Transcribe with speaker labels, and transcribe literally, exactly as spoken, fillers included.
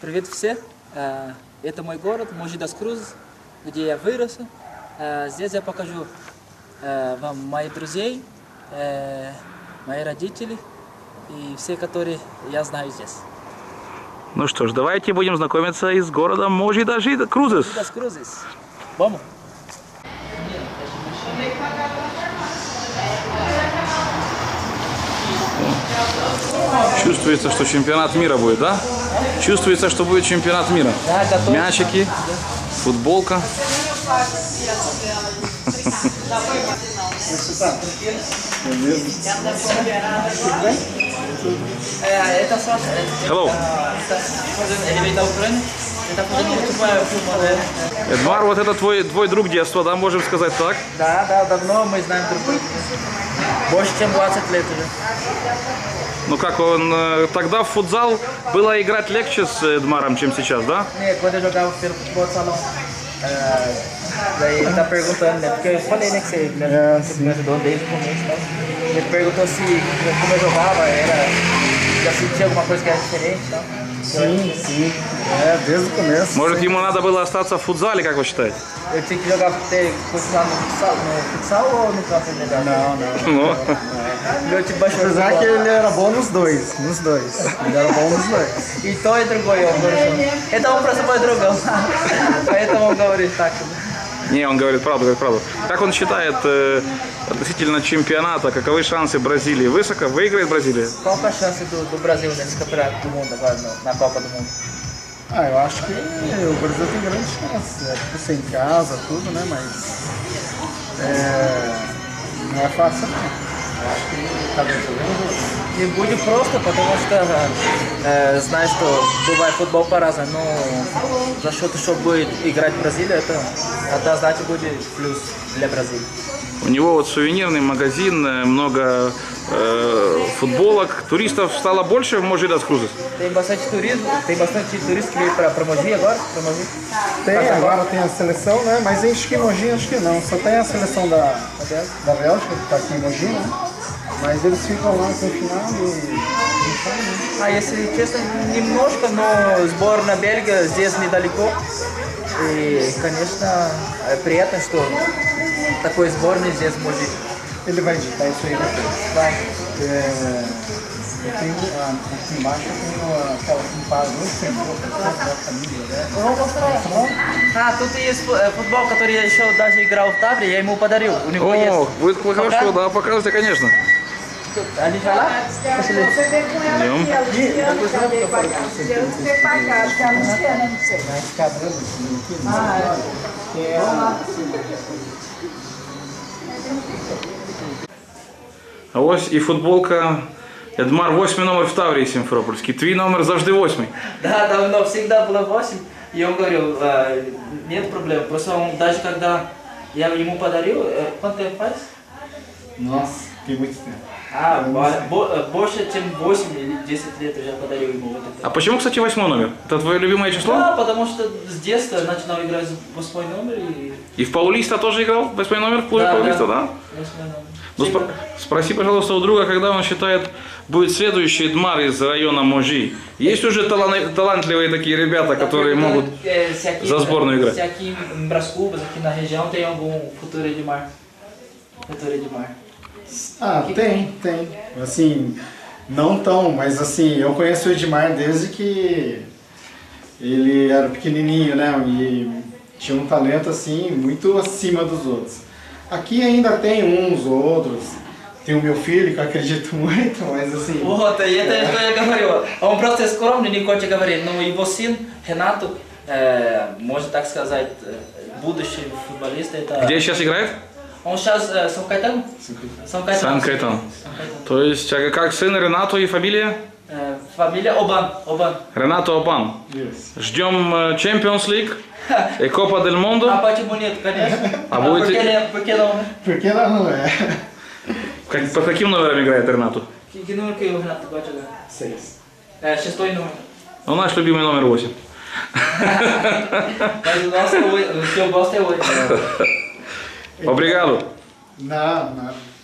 Speaker 1: Привет все. Это мой город, Mogi das Cruzes, где я вырос. Здесь я покажу вам моих друзей, мои родители и все, которые я знаю здесь.
Speaker 2: Ну что ж, давайте будем знакомиться и с городом Mogi das Cruzes.
Speaker 1: Mogi das Cruzes. Vamos.
Speaker 2: Чувствуется, что чемпионат мира будет, да? Чувствуется, что будет чемпионат мира. Мячики, футболка. Hello. Эдмар, вот это твой, твой друг детства, да, можем сказать так?
Speaker 1: Да, да, давно мы знаем друг друга. Больше, чем двадцать лет уже.
Speaker 2: Ну как, он тогда в футзал было играть легче с Эдмаром, чем сейчас, да?
Speaker 1: Нет, quando eu jogava pelo futebol de salão, daí ele tá perguntando, né? Porque eu falei, né, que você me ajudou desde o começo, então. Ele perguntou se, como eu jogava, era, já sentia alguma coisa que era diferente, então.
Speaker 3: Sim, sim. É, desde o começo.
Speaker 2: Может, ему надо было остаться в футзале, как вы считаете?
Speaker 1: Eu tinha que jogar, ter, continuar no futsal, no futsal ou no campo melhor?
Speaker 3: Não, não.
Speaker 2: Ну,
Speaker 1: Meu time baixou.
Speaker 3: Apesar que ele era bom nos dois, nos dois. Ele era bom nos dois.
Speaker 1: И то, и другое он хорошо. Это он просто мой другом. Поэтому он говорит так.
Speaker 2: не, он говорит правду, говорит правду. Как он считает э, относительно чемпионата, каковы шансы Бразилии? Высоко? Выиграет Бразилия?
Speaker 1: Qual que é a chance do, do Brasil nesse campeonato do mundo agora, no, na Copa do Mundo?
Speaker 3: Ah, eu acho que o Brasil tem grande chance. É tipo sem casa, tudo, né? Mas é, não é fácil não. Eu acho que tá bem jogando.
Speaker 1: Не будет просто, потому что э, знаешь, что бывает футбол по-разному, но за счет, что будет играть Бразилия, это однозначно будет плюс для Бразилии.
Speaker 2: У него вот сувенирный магазин, много э, футболок. Туристов стало больше в Mogi das Cruzes?
Speaker 1: Tem bastante turismo, tem bastante turista que veio para Mogi agora, para Mogi.
Speaker 3: Tem, agora tem a seleção, né? Mas em Mogi acho que não. Só tem a seleção da, da Bélgica, que tá aqui em Mogi, né? Mas eles ficam lá confinado и...
Speaker 1: А если честно, немножко, но сборная Бельгии здесь недалеко. И, конечно, приятно, что такой сборной здесь может.
Speaker 3: Ele vai digitar isso aí depois.
Speaker 1: Vai.
Speaker 3: É, eu tenho, ah, aqui embaixo eu tenho aquela pintada da família, né?
Speaker 1: Vamos mostrar. А, тут есть футбол, который я еще даже играл в Тавре, я ему подарил. У него есть.
Speaker 2: О, будет хорошо, да, покажите, конечно.
Speaker 1: Ali já lá?
Speaker 2: Идем. А ось і футболка. Эдмар, восьмий номер в Таврии Симферопольский. Твой номер завжди восьмий.
Speaker 1: Да, давно, всегда было восемь. И он говорил, нет проблем. Просто он, даже когда я ему подарил, quanto tempo faz?
Speaker 3: Nossa, tem muito tempo.
Speaker 1: А, больше, чем восемь или десять лет уже подарил ему вот это.
Speaker 2: А почему, кстати, восьмой номер? Это твое любимое число?
Speaker 1: Да, потому что с детства начинал играть восьмой номер и...
Speaker 2: И в Паулиста тоже играл? Восьмой номер в клубе
Speaker 1: Да,
Speaker 2: Паулиста, да?
Speaker 1: Восьмой номер.
Speaker 2: Ну, спро спроси, пожалуйста, у друга, когда он считает, будет следующий Эдмар из района Можи. Есть уже талан талантливые такие ребята, которые могут за сборную играть?
Speaker 1: Se aqui em Brás Cubas, aqui na região, tem algum futuro Edmar? Futuro Edmar?
Speaker 3: Ah, tem, tem. Assim, não tão, mas assim, eu conheço o Edmar desde que ele era pequenininho, né? E tinha um talento assim, muito acima dos outros. Aqui ainda tem uns outros. Tem o meu filho, que eu acredito muito, mas assim...
Speaker 1: Вот, и это что я говорю. Он просто скромный, не хочет говорить. Но его сын, Ренату, можно так сказать, будущий футболист.
Speaker 2: Где сейчас играет?
Speaker 1: Он сейчас э, Сан Кайтан? Сан Кайтан.
Speaker 2: Сан Кайтан. То есть, а как сын Ренато и фамилия?
Speaker 1: Э, фамилия Обан. Обан.
Speaker 2: Ренато Обан.
Speaker 3: Yes.
Speaker 2: Ждем Champions League и Copa del Mundo.
Speaker 1: А почему нет, конечно.
Speaker 2: А будет...
Speaker 1: Porque нет, porque não.
Speaker 3: Porque não é?
Speaker 2: Как, по каким номерам играет Ренато?
Speaker 1: Que número que o Renato gosta de jogar?
Speaker 3: Seis.
Speaker 1: É, шестой número.
Speaker 2: Ну, наш любимый номер восемь.
Speaker 1: Mas o nosso, o que eu gosto é oito.
Speaker 2: Obrigado.
Speaker 3: Não, não.